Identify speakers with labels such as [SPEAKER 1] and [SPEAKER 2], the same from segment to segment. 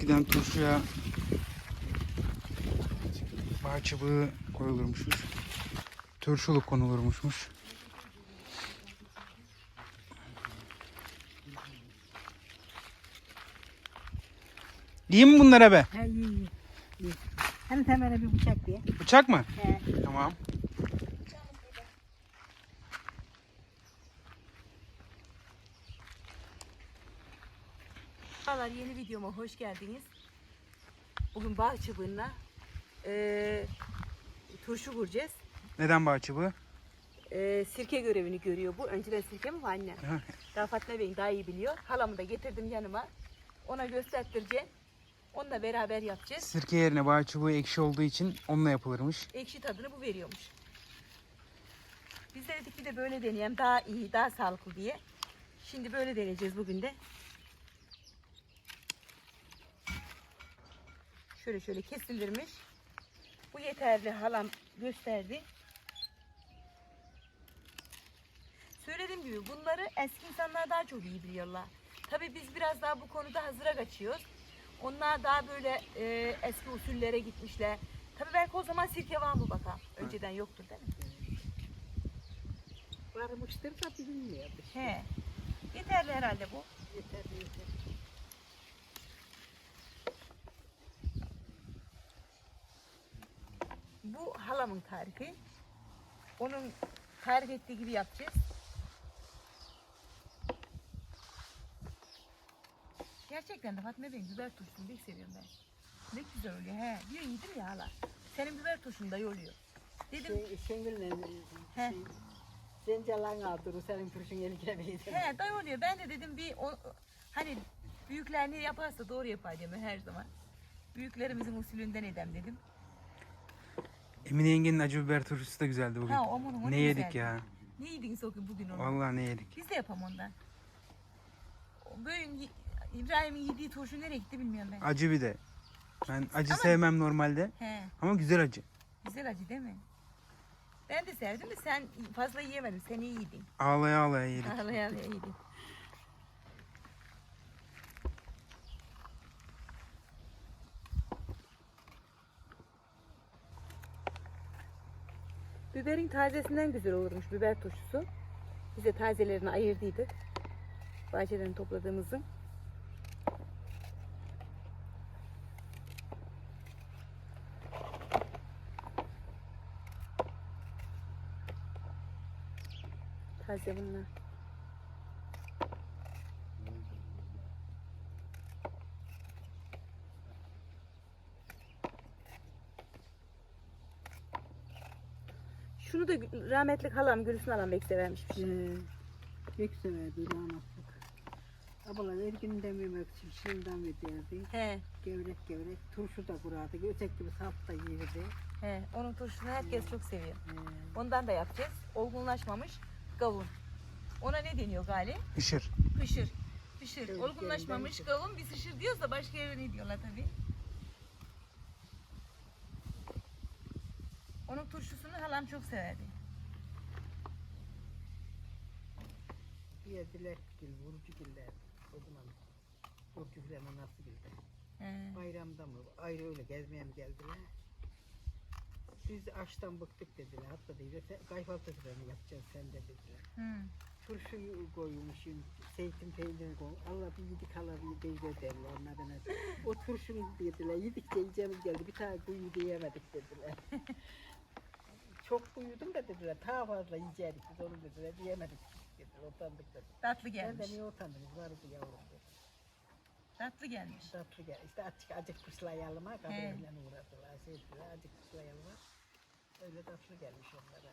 [SPEAKER 1] eskiden turşuya bağ çubuğu koyulurmuşmuş. Turşuluk konulurmuşmuş. İyi mi bunlara be?
[SPEAKER 2] He iyi. Hani temele bir bıçak diye.
[SPEAKER 1] Bıçak mı?
[SPEAKER 2] He.
[SPEAKER 1] Tamam.
[SPEAKER 3] Merhabalar, yeni videoma hoş geldiniz. Bugün bağ çubuğuna turşu kuracağız.
[SPEAKER 1] Neden bağ çubuğu?
[SPEAKER 3] Sirke görevini görüyor bu. Önceden sirke mi var annem? Daha Fatma Bey'in daha iyi biliyor. Halamı da getirdim yanıma. Ona göstertireceğim. Onunla beraber yapacağız.
[SPEAKER 1] Sirke yerine bağ çubuğu ekşi olduğu için onunla yapılırmış.
[SPEAKER 3] Ekşi tadını bu veriyormuş. Biz de dedik bir de böyle deneyelim. Daha iyi, daha sağlıklı diye. Şimdi böyle deneyeceğiz bugün de. Şöyle şöyle kesilirmiş. Bu yeterli, halam gösterdi. Söylediğim gibi bunları eski insanlar daha çok iyi biliyorlar. Tabii biz biraz daha bu konuda hazıra kaçıyoruz. Onlar daha böyle eski usullere gitmişler. Tabii belki o zaman sirke var mı bakalım. Önceden yoktur değil mi?
[SPEAKER 2] Varmıştır da bilinmiyordu.
[SPEAKER 3] He. Yeterli herhalde bu.
[SPEAKER 2] Yeter yeter.
[SPEAKER 3] Bu halamın tarifi. Onun tarif ettiği gibi yapacağız. Gerçekten de Fatma Bey'in biber turşusunu pek seviyorum ben. Ne güzel oluyor he. Diyor yedim ya hala. Senin biber turşun da iyi oluyor. Dedim
[SPEAKER 2] Şengül'le
[SPEAKER 3] he.
[SPEAKER 2] Zencalan aldırır senin turşun eline verir.
[SPEAKER 3] He dayı oluyor. Ben de dedim bir hani büyükler ne yaparsa doğru yapar diyorum her zaman. Büyüklerimizin usulünden edem dedim.
[SPEAKER 1] Emine yengenin acı biber turşusu da güzeldi bugün.
[SPEAKER 3] Ha, onu
[SPEAKER 1] ne yedik
[SPEAKER 3] güzeldi.
[SPEAKER 1] ya?
[SPEAKER 3] Ne yediniz bugün onu?
[SPEAKER 1] Vallahi ne yedik?
[SPEAKER 3] Biz de yapalım ondan. Bugün İbrahim'in yediği turşu nereye gitti bilmiyorum ben.
[SPEAKER 1] Acı bir de. Ben acı
[SPEAKER 3] Ama-
[SPEAKER 1] sevmem normalde.
[SPEAKER 3] He,
[SPEAKER 1] Ama güzel acı.
[SPEAKER 3] güzel acı değil mi? Ben de sevdim de sen fazla yiyemedim. Sen iyi yedin.
[SPEAKER 1] Ağlaya ağlaya yedik.
[SPEAKER 3] Ağlaya ağlaya yedin. Biberin tazesinden güzel olurmuş biber turşusu. Biz de tazelerini ayırdıydık. Bahçeden topladığımızın. Taze bunlar. Şunu da rahmetli halam Gülsün halam pek severmiş.
[SPEAKER 2] Pek severdi damatlık. Abla her gün dememek için şimdiden verirdi.
[SPEAKER 3] He,
[SPEAKER 2] Gevrek gevrek turşu da kurardı. Ötek gibi sap da yerdi.
[SPEAKER 3] he. Onun turşusunu herkes çok seviyor.
[SPEAKER 2] He.
[SPEAKER 3] Ondan da yapacağız. Olgunlaşmamış kavun. Ona ne deniyor gali?
[SPEAKER 1] Işır.
[SPEAKER 3] Pışır. Pışır.
[SPEAKER 2] Evet,
[SPEAKER 3] Olgunlaşmamış
[SPEAKER 2] evet.
[SPEAKER 3] kavun biz ışır diyoruz da başka yere ne diyorlar tabii. Onun turşusunu halam çok severdi.
[SPEAKER 2] Yediler gül, vurucu güller. O zaman vurucu güller nasıl güller?
[SPEAKER 3] He.
[SPEAKER 2] Bayramda mı? Ayrı öyle gezmeye mi geldiler? Biz açtan bıktık dediler. Hatta dediler, kayfaltı sıranı yapacaksın sen de dediler.
[SPEAKER 3] Hı.
[SPEAKER 2] Turşuyu koymuşum, zeytin peyniri koy. Allah bir yedik hala bir deyler derler onlardan. O turşunu dediler, yedikçe yiyeceğimiz geldi. Bir tane kuyu diyemedik dediler. Çok kuyudum da dediler, daha fazla yiyecektik biz onu dediler, diyemedik dediler, utandık dediler.
[SPEAKER 3] Tatlı
[SPEAKER 2] Ben
[SPEAKER 3] gelmiş.
[SPEAKER 2] de niye utandınız, vardı yavrum dedi.
[SPEAKER 3] Tatlı gelmiş.
[SPEAKER 2] Tatlı gel, işte acık kuşlayalım ha, kadınla
[SPEAKER 3] He.
[SPEAKER 2] uğradılar, sevdiler, acık kuşlayalım ha. Öyle tatlı gelmiş onlara.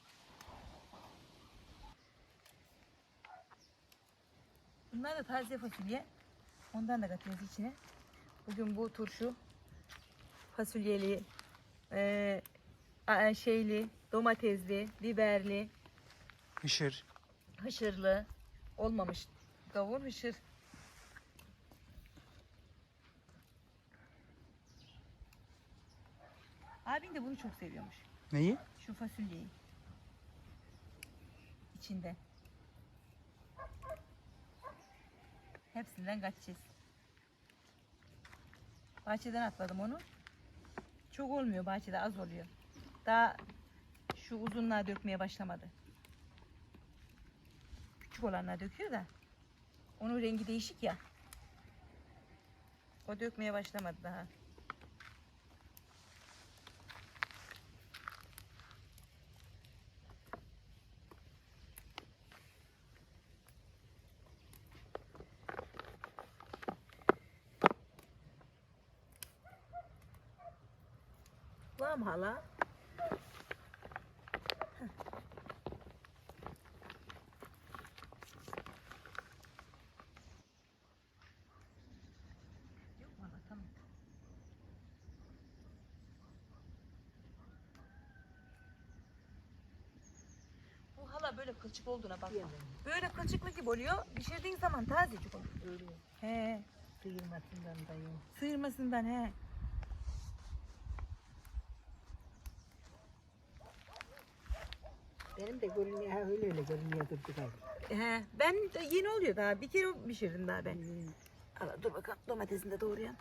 [SPEAKER 3] Bunlar da taze fasulye. Ondan da katıyoruz içine. Bugün bu turşu fasulyeli, şeyli, domatesli, biberli,
[SPEAKER 1] Işır.
[SPEAKER 3] hışırlı olmamış kavun hışır. Abin de bunu çok seviyormuş.
[SPEAKER 1] Neyi?
[SPEAKER 3] Şu fasulyeyi. İçinde. Hepsinden kaçacağız. Bahçeden atladım onu. Çok olmuyor bahçede, az oluyor. Daha şu uzunluğa dökmeye başlamadı. Küçük olanlar döküyor da. Onun rengi değişik ya. O dökmeye başlamadı daha. Var mı hala? Yok mu hala? Tamam. Bu hala böyle kılçık olduğuna bakma. Böyle kılçıklı gibi oluyor. Pişirdiğin zaman tazecik olur.
[SPEAKER 2] Öyle
[SPEAKER 3] He.
[SPEAKER 2] sıyırmasından da yok.
[SPEAKER 3] Sıyırmasından he.
[SPEAKER 2] Benim de görünüyor, ha öyle görünüyor durdu galiba.
[SPEAKER 3] He. Ben de yeni oluyor daha. Bir kere pişirdim daha ben.
[SPEAKER 2] Hmm.
[SPEAKER 3] Hala dur bakalım, domatesini de doğrayalım.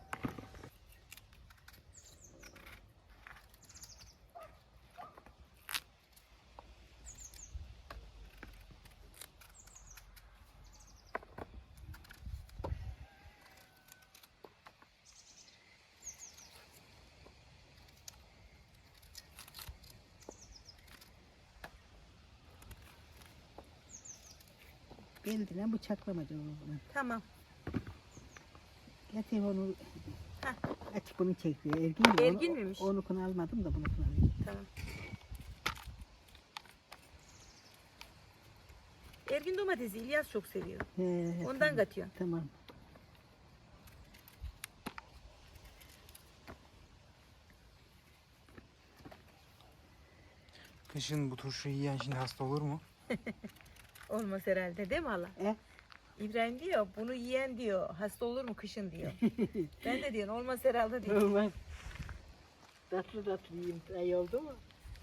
[SPEAKER 2] Beldine bıçaklamaca o zaman.
[SPEAKER 3] Tamam.
[SPEAKER 2] Ya telefonu
[SPEAKER 3] Heh.
[SPEAKER 2] açık bunu çekiyor. Ergin mi?
[SPEAKER 3] Ergin miymiş?
[SPEAKER 2] Onukunu almadım da bunukunu alayım.
[SPEAKER 3] Tamam. Ergin domatesi İlyas çok seviyor.
[SPEAKER 2] He,
[SPEAKER 3] Ondan
[SPEAKER 2] tamam.
[SPEAKER 3] katıyor.
[SPEAKER 2] Tamam.
[SPEAKER 1] Kışın bu turşuyu yiyen şimdi hasta olur mu?
[SPEAKER 3] Olmaz herhalde değil mi hala? İbrahim diyor bunu yiyen diyor hasta olur mu kışın diyor. Ben de diyorum olmaz herhalde diyor.
[SPEAKER 2] Olmaz. Tatlı tatlı yiyeyim. Ay oldu mu?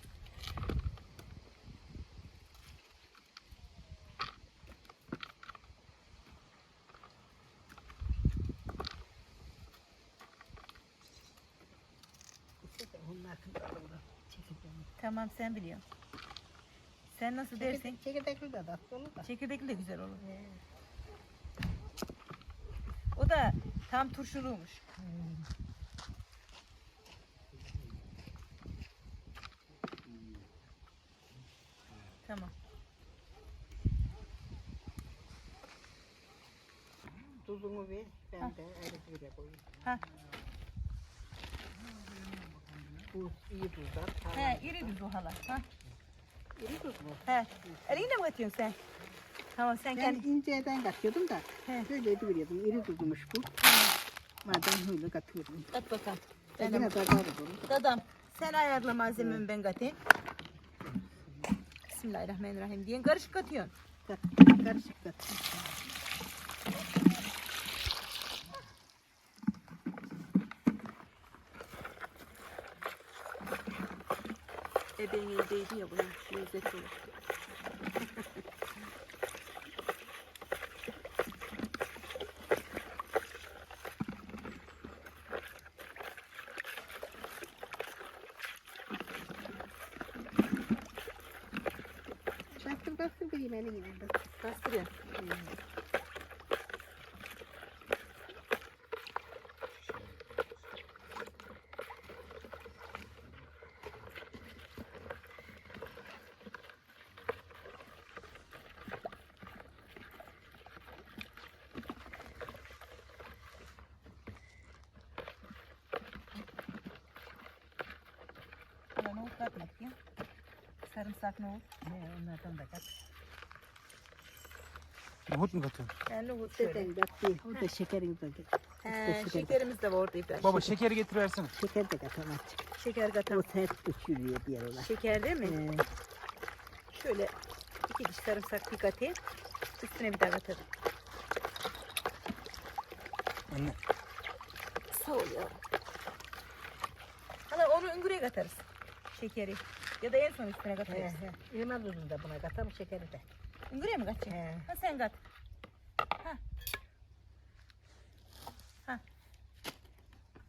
[SPEAKER 2] İşte onun hakkında doğru. Çekirdeğini.
[SPEAKER 3] Tamam sen biliyorsun. Sen nasıl dersin?
[SPEAKER 2] Çekirdekli de tatlı olur da.
[SPEAKER 3] Çekirdekli de güzel olur. O da tam turşuluymuş. Tamam.
[SPEAKER 2] Tuzunu ver. Ben de ayrı bir yere koyayım.
[SPEAKER 3] Ha.
[SPEAKER 2] Bu iyi tuzlar.
[SPEAKER 3] He, iri düz o hala. Ha.
[SPEAKER 2] İri tuz mu?
[SPEAKER 3] He. Elinle mi katıyorsun sen? Tamam sen
[SPEAKER 2] Ben
[SPEAKER 3] kendi.
[SPEAKER 2] inceden katıyordum da.
[SPEAKER 3] He.
[SPEAKER 2] Böyle ediviyordum. İri tuzmuş bu. Madem öyle katıyorum.
[SPEAKER 3] Kat bakalım.
[SPEAKER 2] Ben
[SPEAKER 3] Dadam.
[SPEAKER 2] yine tadar olur.
[SPEAKER 3] Dadam. Sen ayarla malzememi ben katayım. Bismillahirrahmanirrahim diyen karışık katıyorsun.
[SPEAKER 2] Kat, karışık kat.
[SPEAKER 3] Ebeğin evdeydi ya bunun lezzetli olur.
[SPEAKER 2] Bastır bastır bir yemeğini yine.
[SPEAKER 3] Bastırıyor. Hala nohut katmak ya. Sarımsak nohut.
[SPEAKER 2] Onlardan da kat.
[SPEAKER 1] Nohut mu katıyorsun?
[SPEAKER 3] Ben nohut şöyle.
[SPEAKER 2] Deden kat değil. O da şekerin de kat.
[SPEAKER 3] He, şekerimiz de var orada İbrahim.
[SPEAKER 1] Baba şekeri getiriversene.
[SPEAKER 2] Şeker de kat ama açık.
[SPEAKER 3] Şeker
[SPEAKER 2] O
[SPEAKER 3] katalım.
[SPEAKER 2] sert uçuruyor diğer olan.
[SPEAKER 3] Şeker değil mi? Şöyle 2 diş sarımsak bir katayım. Üstüne bir daha katarım.
[SPEAKER 1] Anne.
[SPEAKER 3] Sağ ol ya. Hala onu üngüreye katarız. Şekeri. Ya da en son üstüne katarız.
[SPEAKER 2] İlma tuzunu da buna katalım şekeri de.
[SPEAKER 3] Üngüreye mi katacaksın?
[SPEAKER 2] He.
[SPEAKER 3] Ha sen kat. Ha. Ha.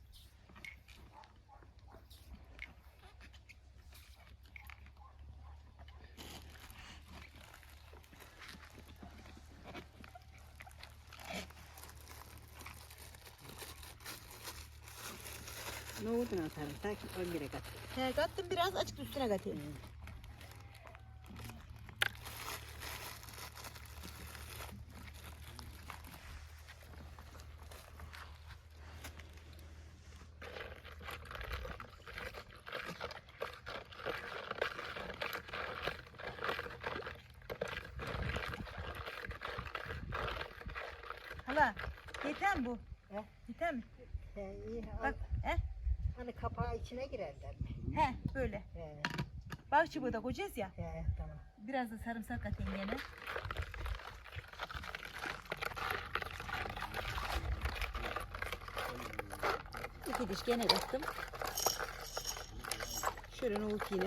[SPEAKER 2] Nohuduna sarımsak 10 lira kat.
[SPEAKER 3] He, kattım biraz, açık üstüne katayım. Hala, yeter mi bu?
[SPEAKER 2] He?
[SPEAKER 3] Yeter mi?
[SPEAKER 2] He, iyi.
[SPEAKER 3] Bak, he?
[SPEAKER 2] Hani kapağı içine girerler mi?
[SPEAKER 3] He, böyle.
[SPEAKER 2] He,
[SPEAKER 3] Bal çubuğu da koyacağız ya.
[SPEAKER 2] he, tamam.
[SPEAKER 3] Biraz da sarımsak atayım gene. İki diş gene kattım. Şöyle nohut yine.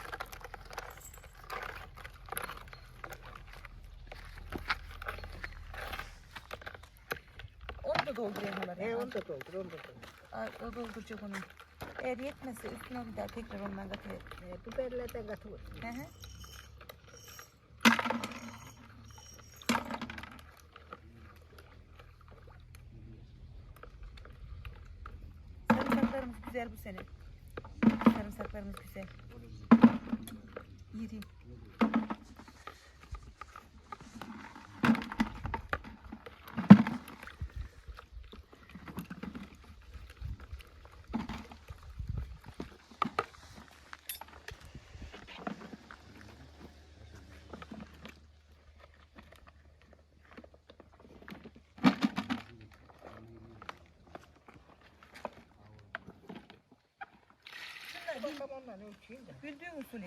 [SPEAKER 3] Onu da doldurayım hala.
[SPEAKER 2] He, onu da doldur, onu da doldur.
[SPEAKER 3] O dolduracak onu. Eğer yetmezse üstüne bir daha tekrar ondan katayım.
[SPEAKER 2] Biberlerden katılır.
[SPEAKER 3] Hı hı. Sarımsaklarımız güzel bu sene. Sarımsaklarımız güzel. İri.
[SPEAKER 2] Bakalım ondan ölçeyim de.
[SPEAKER 3] Bildiğin usulü.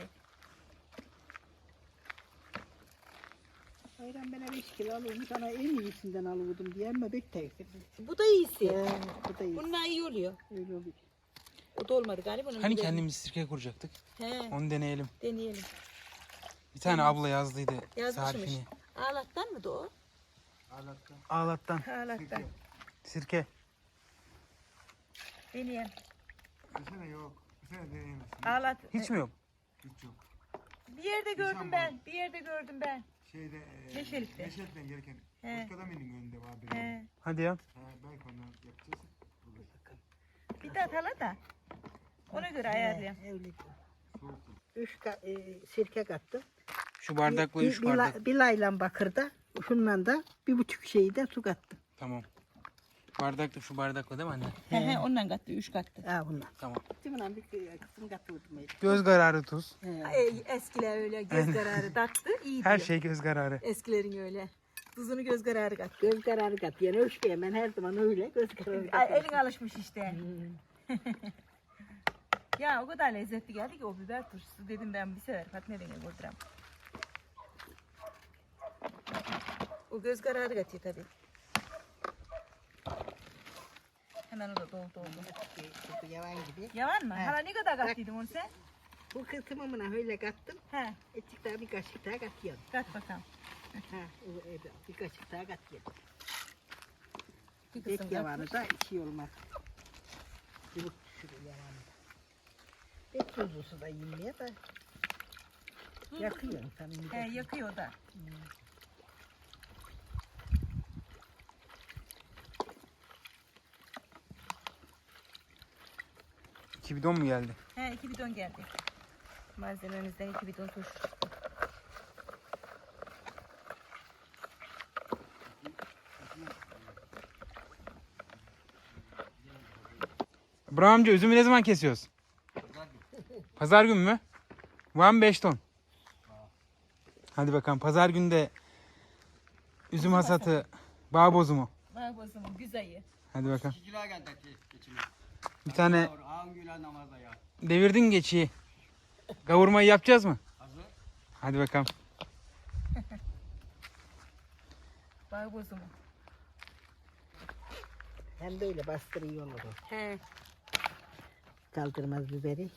[SPEAKER 2] Hayran ben 5 kilo alayım. Sana en iyisinden alıyordum diye ama pek teyze.
[SPEAKER 3] Bu da iyisi.
[SPEAKER 2] Bu da iyi.
[SPEAKER 3] Bununla iyi oluyor.
[SPEAKER 2] Öyle oluyor.
[SPEAKER 3] O da olmadı galiba. Onun
[SPEAKER 1] Hani
[SPEAKER 3] biberini-
[SPEAKER 1] kendimiz sirke kuracaktık.
[SPEAKER 3] He,
[SPEAKER 1] Onu deneyelim.
[SPEAKER 3] deneyelim.
[SPEAKER 1] Bir tane abla yazdıydı
[SPEAKER 3] Yazmışmış.
[SPEAKER 1] tarifini.
[SPEAKER 3] Ağlattan mı da o?
[SPEAKER 1] Ağlattan.
[SPEAKER 3] Ağlattan.
[SPEAKER 1] Sirke.
[SPEAKER 3] Deneyelim.
[SPEAKER 4] Bu sene yok. Bu sene deneyemezsin.
[SPEAKER 3] Ağlat.
[SPEAKER 1] Hiç mi yok?
[SPEAKER 4] Hiç yok.
[SPEAKER 3] Bir yerde gördüm ben. Bir yerde gördüm ben.
[SPEAKER 4] Şeyde
[SPEAKER 3] Neşelik'te.
[SPEAKER 4] Neşelik'ten gelirken
[SPEAKER 3] He.
[SPEAKER 4] Başkadami'nin önünde var bir.
[SPEAKER 3] He.
[SPEAKER 1] Hadi ya.
[SPEAKER 4] Belki ondan yapacağız. Bulur.
[SPEAKER 3] Bir daha hala da. Ona göre ayarlayalım.
[SPEAKER 2] Öyle.
[SPEAKER 4] Soğuk.
[SPEAKER 2] 3 sirke kattım.
[SPEAKER 1] Şu bardakla 3 bardak.
[SPEAKER 2] Bir laylan bakırda. Şundan da 1,5 şeyi de su kattım.
[SPEAKER 1] Tamam. Bardakla şu bardakla değil mi anne?
[SPEAKER 3] He he, ondan kattı, 3 kattı.
[SPEAKER 2] Ha bundan.
[SPEAKER 1] Tamam.
[SPEAKER 2] Değil mi lan bir kısım kattırdım.
[SPEAKER 1] Göz kararı tuz.
[SPEAKER 3] Eskiler öyle göz kararı taktı, iyi
[SPEAKER 1] Her
[SPEAKER 3] diyor.
[SPEAKER 1] şey göz kararı.
[SPEAKER 3] Eskilerin öyle. Tuzunu göz kararı kattı.
[SPEAKER 2] Göz kararı kat. Yani ölçmeyeyim ben her zaman öyle göz kararı kat.
[SPEAKER 3] Elin alışmış işte. Ya o kadar lezzetli geldi ki o biber turşusu dedim ben bir sefer Fatma Bey'e vurduram. O göz kararı katıyor tabii. Hemen o da doldu oldu.
[SPEAKER 2] Bu yavan gibi.
[SPEAKER 3] Yalan mı?
[SPEAKER 2] He.
[SPEAKER 3] Hala ne kadar kattıydın onu sen?
[SPEAKER 2] Bu kısmına öyle kattım.
[SPEAKER 3] He,
[SPEAKER 2] Etçik daha bir kaşık daha katıyorum.
[SPEAKER 3] kat bakalım.
[SPEAKER 2] Ha, bir kaşık daha katıyorum.
[SPEAKER 3] Bir
[SPEAKER 2] Pek
[SPEAKER 3] kısım
[SPEAKER 2] yavanı da içi olmaz. Çubuk düşürür yavanı da. Pek tuzlusu da yiyemiyor da. Yakıyorum tabii.
[SPEAKER 3] He, yakıyor o da.
[SPEAKER 1] İki bidon mu geldi?
[SPEAKER 3] He, 2 bidon geldi. Malzememizden 2 bidon turşu çıktı.
[SPEAKER 1] İbrahim amca üzümü ne zaman kesiyoruz? Pazar günü mü? Var mı 5 ton? Hadi bakalım pazar günü de üzüm hasatı, bağ bozumu.
[SPEAKER 3] Bak o zaman güzeli.
[SPEAKER 1] Hadi bakalım.
[SPEAKER 5] 2 kilo geldi geçimi.
[SPEAKER 1] Bir tane
[SPEAKER 5] Ağın gülen namazda ya.
[SPEAKER 1] devirdin geçiyi. Kavurmayı yapacağız mı?
[SPEAKER 5] Hazır.
[SPEAKER 1] Hadi bakalım.
[SPEAKER 3] Bak o zaman.
[SPEAKER 2] Hem de öyle bastırıyor olur o.
[SPEAKER 3] He.
[SPEAKER 2] Kaldırmaz biberi.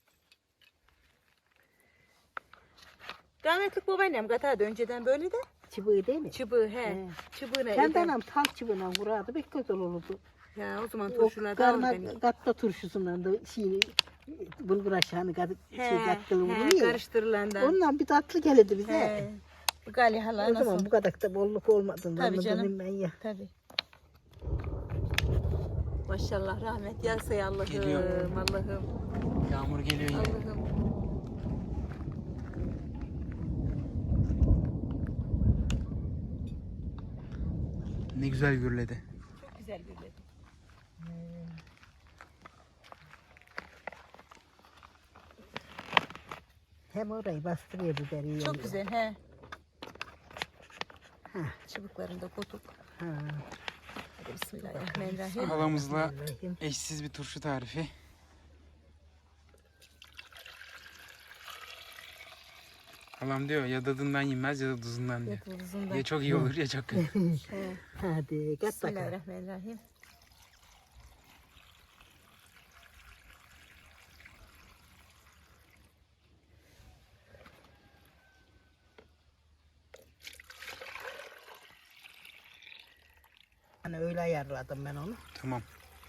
[SPEAKER 3] Rahmetlik babaannem katardı önceden böyle de.
[SPEAKER 2] çıbığı değil mi?
[SPEAKER 3] Çıbığı Çıbığına
[SPEAKER 2] Kendi
[SPEAKER 3] eder.
[SPEAKER 2] anam tal çıbığına vurardı. Pek güzel olurdu.
[SPEAKER 3] Ya o zaman
[SPEAKER 2] O
[SPEAKER 3] turşulardan al beni.
[SPEAKER 2] karma katta turşusundan da bulgur aşağını kattılı vuruluyor ya.
[SPEAKER 3] Karıştırılandan.
[SPEAKER 2] Ondan bir tatlı gelirdi bize.
[SPEAKER 3] He. Bu Gali hala
[SPEAKER 2] O zaman
[SPEAKER 3] nasıl?
[SPEAKER 2] bu kadar da bolluk olmadığından
[SPEAKER 3] Tabii canım.
[SPEAKER 2] dedim ben ya.
[SPEAKER 3] Tabii. Maşallah rahmet yağsa ya Allah'ım.
[SPEAKER 1] Geliyor.
[SPEAKER 3] Allah'ım.
[SPEAKER 1] Yağmur geliyor yine.
[SPEAKER 3] Allah'ım.
[SPEAKER 1] Ne güzel gürledi.
[SPEAKER 3] Çok güzel gürledi.
[SPEAKER 2] Hem orayı bastırıyor biberi.
[SPEAKER 3] Çok güzel he. Çubuklarını da koyduk.
[SPEAKER 2] Ha.
[SPEAKER 3] Hadi bismillahirrahmanirrahim.
[SPEAKER 1] Halamızla eşsiz bir turşu tarifi. Halam diyor ya tadından yenmez ya da tuzundan diyor.
[SPEAKER 3] Yatılızında.
[SPEAKER 1] Ya çok iyi olur ya çok kötü.
[SPEAKER 3] He.
[SPEAKER 2] Hadi kat bakalım.
[SPEAKER 3] Bismillahirrahmanirrahim.
[SPEAKER 2] Hani öyle ayarladım ben onu.
[SPEAKER 1] Tamam.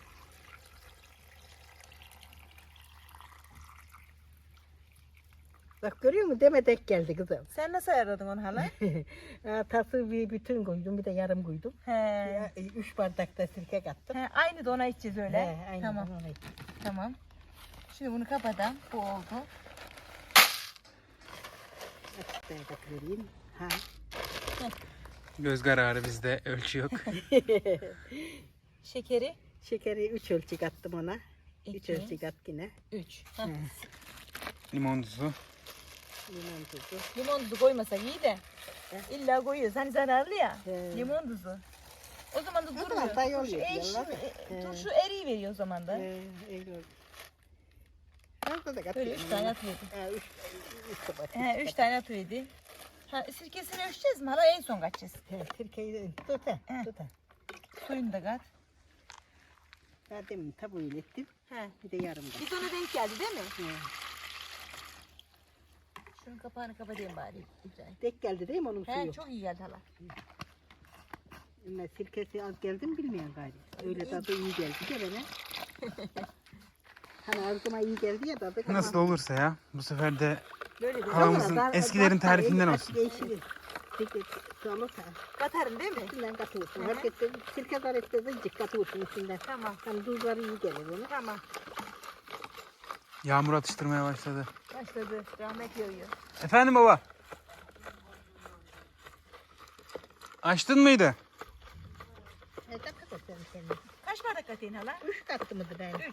[SPEAKER 2] Bak görüyor musun? Deme denk geldi kızım.
[SPEAKER 3] Sen nasıl ayarladın onu hala?
[SPEAKER 2] Tası bir bütün koydum, bir de yarım koydum.
[SPEAKER 3] He.
[SPEAKER 2] 3 bardak da sirke kattım.
[SPEAKER 3] He. Aynı da ona içeceğiz öyle.
[SPEAKER 2] He, aynen
[SPEAKER 3] Tamam.
[SPEAKER 2] öyle.
[SPEAKER 3] Tamam. Şimdi bunu kapatalım. Bu oldu.
[SPEAKER 2] Açıklığa vereyim. Ha.
[SPEAKER 1] Göz kararı bizde ölçü yok.
[SPEAKER 3] Şekeri
[SPEAKER 2] Şekeri 3 ölçü kattım ona. 3
[SPEAKER 3] İki.
[SPEAKER 2] ölçü kat yine.
[SPEAKER 3] 3.
[SPEAKER 1] Limon tuzu.
[SPEAKER 2] Limon tuzu.
[SPEAKER 3] Limon tuzu koymasak iyi de. İlla koyuyoruz. Hani zararlı ya.
[SPEAKER 2] He.
[SPEAKER 3] Limon tuzu. O zaman da
[SPEAKER 2] zaman
[SPEAKER 3] durmuyor.
[SPEAKER 2] tay
[SPEAKER 3] Turşu,
[SPEAKER 2] oluyor diyorlar da. He.
[SPEAKER 3] turşu eriyi veriyor o zaman da.
[SPEAKER 2] Öyle oldu. Fazla da
[SPEAKER 3] Böyle
[SPEAKER 2] katıyorum.
[SPEAKER 3] 3 tane atıyordu.
[SPEAKER 2] 3 tabak.
[SPEAKER 3] He 3 tane atıyordu. Ha, sirkesini ölçeceğiz mi? Hala en son kaçacağız.
[SPEAKER 2] Sirkeyi tut ha.
[SPEAKER 3] He.
[SPEAKER 2] Tut ha.
[SPEAKER 3] Suyunu da kat.
[SPEAKER 2] Ben demin tabuğu ilettim.
[SPEAKER 3] He.
[SPEAKER 2] Bir de yarım da.
[SPEAKER 3] Bir ona denk geldi değil mi?
[SPEAKER 2] He.
[SPEAKER 3] Şunun kapağını kapatayım bari. Güzel.
[SPEAKER 2] Denk geldi değil mi onun
[SPEAKER 3] He
[SPEAKER 2] suyu?
[SPEAKER 3] çok iyi geldi hala.
[SPEAKER 2] Ama sirkesi az geldi mi bilmiyorum galiba. Öyle tadı iyi geldi de bana. Hani ağzıma iyi geldi ya tadı.
[SPEAKER 1] Nasıl olursa ya. Bu sefer de
[SPEAKER 3] Böyle de
[SPEAKER 1] halamızın eskilerin tarifinden olsun.
[SPEAKER 2] Değişir. Peki olursa
[SPEAKER 3] katarın değil mi?
[SPEAKER 2] içinden katıyorsun.
[SPEAKER 3] Hı hı.
[SPEAKER 2] Herkes de sirke zarette de cık katıyorsun içinden.
[SPEAKER 3] Tamam.
[SPEAKER 2] Hani tuzları iyi gelir onu.
[SPEAKER 3] Tamam.
[SPEAKER 1] Yağmur atıştırmaya başladı.
[SPEAKER 3] Başladı. Rahmet yağıyor.
[SPEAKER 1] Efendim baba. Açtın mıydı?
[SPEAKER 2] Dakika sen kendin.
[SPEAKER 3] Kaç bardak katayım hala?
[SPEAKER 2] 3 kattı mıydı ben?
[SPEAKER 3] 3.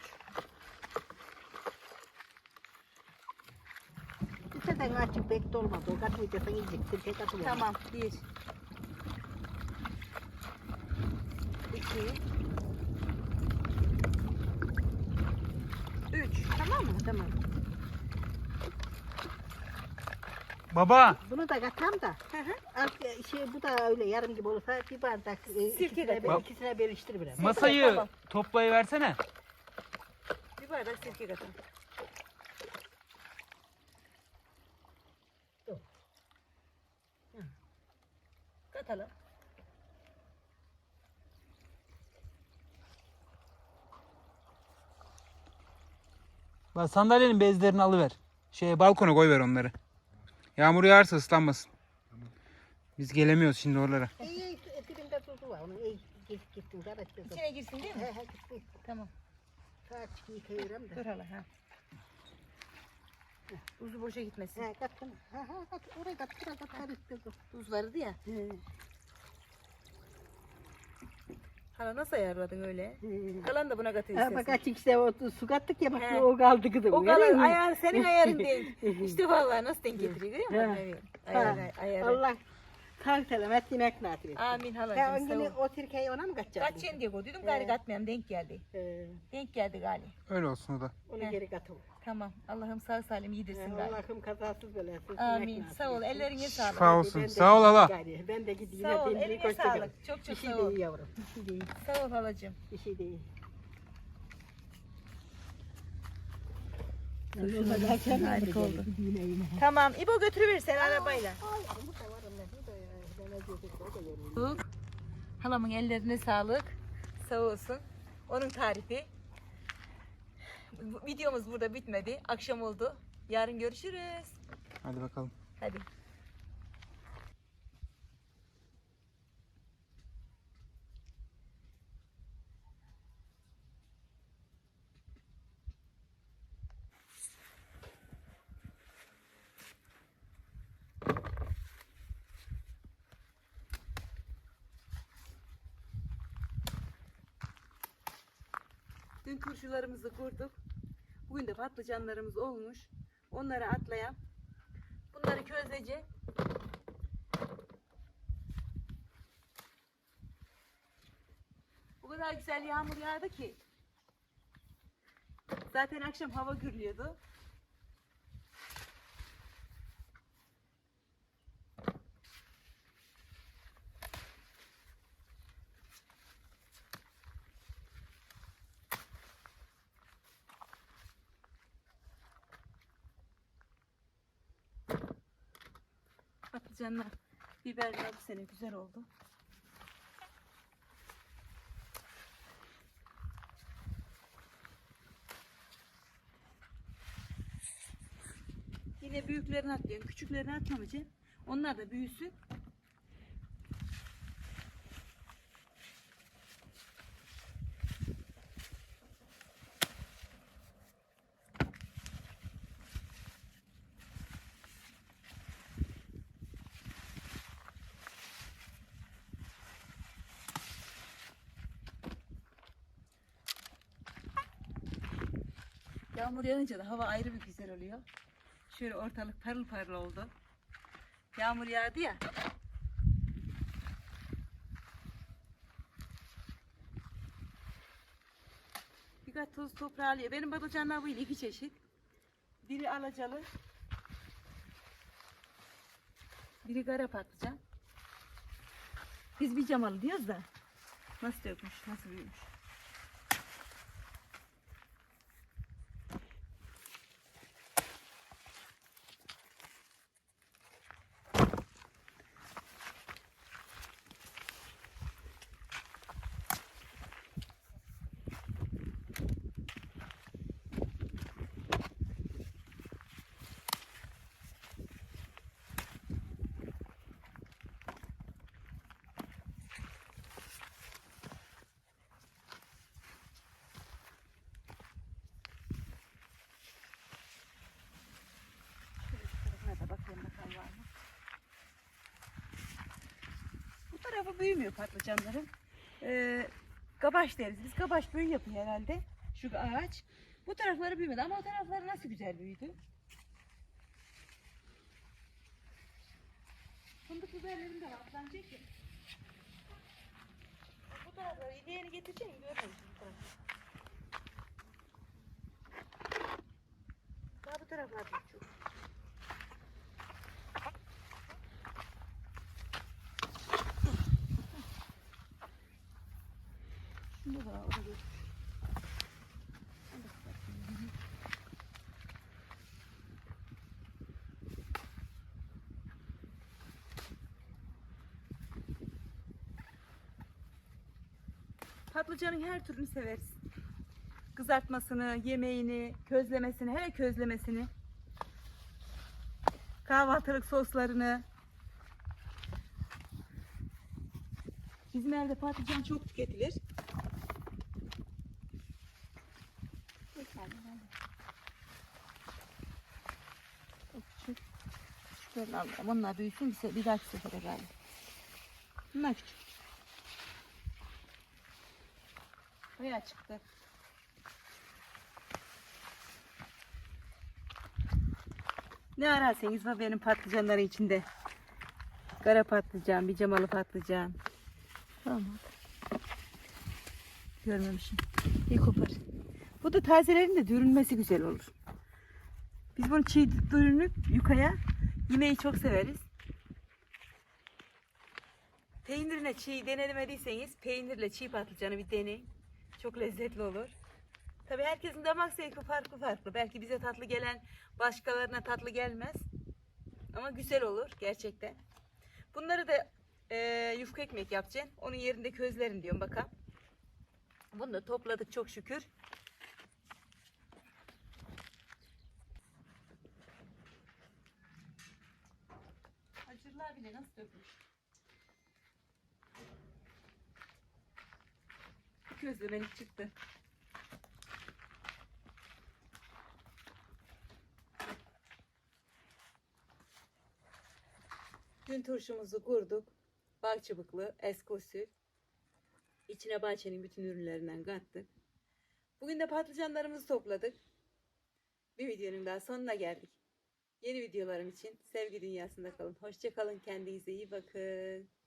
[SPEAKER 2] İsteden açık pek dolmadı. O katmayacaksın yiyecek. Sirke katılır.
[SPEAKER 3] Tamam. 1 2 3.
[SPEAKER 2] Tamam mı? Tamam.
[SPEAKER 1] Baba.
[SPEAKER 2] Bunu da katam da. Bu da öyle yarım gibi olursa bir bardak
[SPEAKER 3] Sirke
[SPEAKER 2] ikisine,
[SPEAKER 3] katayım.
[SPEAKER 2] ikisine bölüştür biraz.
[SPEAKER 1] Masayı
[SPEAKER 3] Tamam.
[SPEAKER 1] toplayıversene.
[SPEAKER 3] Bir bardak sirke katın. Katalım.
[SPEAKER 1] Bak sandalyenin bezlerini alıver. Balkona koyver onları. Yağmur yağarsa ıslanmasın. Biz gelemiyoruz şimdi oralara.
[SPEAKER 2] İyi, dibinde tuzu var. Onu iyi gittin. Karıştırdım.
[SPEAKER 3] İçine girsin değil mi?
[SPEAKER 2] He gitsin.
[SPEAKER 3] Tamam.
[SPEAKER 2] Saat yıkayırım da.
[SPEAKER 3] Dur hala ha. Tuzu boşa gitmesin.
[SPEAKER 2] He kattım. Kat. Oraya kat. Biraz da karıştırdım.
[SPEAKER 3] Tuz vardı ya. Hala nasıl ayarladın öyle? Kalan da buna katın
[SPEAKER 2] Ha, bak
[SPEAKER 3] istersen.
[SPEAKER 2] açık işte o su kattık ya bak
[SPEAKER 3] He.
[SPEAKER 2] o kaldı kızım.
[SPEAKER 3] O
[SPEAKER 2] görüyor
[SPEAKER 3] kalan
[SPEAKER 2] musun?
[SPEAKER 3] ayar senin ayarın denk. İşte vallahi nasıl denk getiriyor görüyor musun?
[SPEAKER 2] He.
[SPEAKER 3] Evet.
[SPEAKER 2] Ha,
[SPEAKER 3] Ayarı.
[SPEAKER 2] Allah sağ selamet yemek nasip etsin.
[SPEAKER 3] Amin
[SPEAKER 2] Sen
[SPEAKER 3] halacığım
[SPEAKER 2] o
[SPEAKER 3] sağ
[SPEAKER 2] günü
[SPEAKER 3] ol.
[SPEAKER 2] o sirkeyi ona mı kaçacaksın?
[SPEAKER 3] Kaç diye koydum gari katmayayım denk geldi. Denk geldi gali.
[SPEAKER 1] Öyle olsun o da.
[SPEAKER 2] Onu
[SPEAKER 3] He.
[SPEAKER 2] geri katıl.
[SPEAKER 3] Tamam. Allah'ım sağ salim yedirsin gali.
[SPEAKER 2] Allah'ım kazasız belasız.
[SPEAKER 3] Amin.
[SPEAKER 2] yemek nasip
[SPEAKER 3] Sağ ol.
[SPEAKER 2] etsin.
[SPEAKER 3] Ellerine sağlık.
[SPEAKER 1] Şifa olsun.
[SPEAKER 2] Ben de
[SPEAKER 1] Sağ ol
[SPEAKER 2] gideyim
[SPEAKER 1] hala.
[SPEAKER 2] gari, ben de gideyim.
[SPEAKER 3] Sağ ol.
[SPEAKER 2] Hepinize
[SPEAKER 3] Eline
[SPEAKER 2] hoşça kalın.
[SPEAKER 3] sağlık. Çok
[SPEAKER 2] Bir
[SPEAKER 3] çok
[SPEAKER 2] şey
[SPEAKER 3] sağ ol.
[SPEAKER 2] değil yavrum. Bir şey değil.
[SPEAKER 3] Sağ ol halacığım.
[SPEAKER 2] Bir şey değil.
[SPEAKER 3] Harika oldu. Tamam. İbo götürüver sen arabayla.
[SPEAKER 2] Ay, bu da var onlar, bu da ya.
[SPEAKER 3] Halamın ellerine sağlık. Sağ olsun. Onun tarifi. Videomuz burada bitmedi. Akşam oldu. Yarın görüşürüz.
[SPEAKER 1] Hadi bakalım.
[SPEAKER 3] Hadi. Dün turşularımızı kurduk. Bugün de patlıcanlarımız olmuş. Onları atlayam. Bunları közleyeceğim. O kadar güzel yağmur yağdı ki. Zaten akşam hava gürlüyordu. Patlıcanlar, biberler bu sene güzel oldu. Yine büyüklerini atlıyorum. Küçüklerini atmamayacağım. Onlar da büyüsün. Yağmur yağınca da hava ayrı bir güzel oluyor. Şöyle ortalık parıl parıl oldu. Yağmur yağdı ya. Birkaç toz toprağı alıyor. Benim patlıcanlar bu yıl iki çeşit. Biri alacalı. Biri kara patlıcan. Biz bir camalı diyoruz da. Nasıl dökmüş, nasıl büyümüş. Bu tarafı büyümüyor patlıcanların. Kabaş deriz biz. Kabaş büyü yapıyor herhalde. Şu ağaç. Bu tarafları büyümedi ama o tarafları nasıl güzel büyüdü. Fındık biberlerim de var. Sanacak ki. Bu tarafları ileğini getireceğim. Görmemişim bu tarafı. Daha bu taraflar çok. Şunu da orada götür. Patlıcanın her türünü severiz. Kızartmasını, yemeğini, közlemesini, hele közlemesini. Kahvaltılık soslarını. Bizim evde patlıcan çok tüketilir. Küçüklerini alalım. Onlar büyüsün bir dahaki sefere galiba. Bunlar küçük. Bayağı çıktı. Ne ararsanız var benim patlıcanları içinde. Kara patlıcan, bir camalı patlıcan. Tamam. Görmemişim. İyi kopar. Bu da tazelerin de dürünmesi güzel olur. Biz bunu çiğ dürünüp yukaya yemeği çok severiz. Peynirle çiğ denemediyseniz peynirle çiğ patlıcanı bir deneyin. Çok lezzetli olur. Tabii herkesin damak zevki farklı farklı. Belki bize tatlı gelen başkalarına tatlı gelmez. Ama güzel olur gerçekten. Bunları da yufka ekmek yapacaksın. Onun yerinde közlerim diyorum bakalım. Bunu da topladık çok şükür. Acırlar bile nasıl dökmüş. Közlemelik çıktı. Dün turşumuzu kurduk. Bal çubuklu, eski usul. İçine bahçenin bütün ürünlerinden kattık. Bugün de patlıcanlarımızı topladık. Bir videonun daha sonuna geldik. Yeni videolarım için sevgi dünyasında kalın. Hoşça kalın. Kendinize iyi bakın.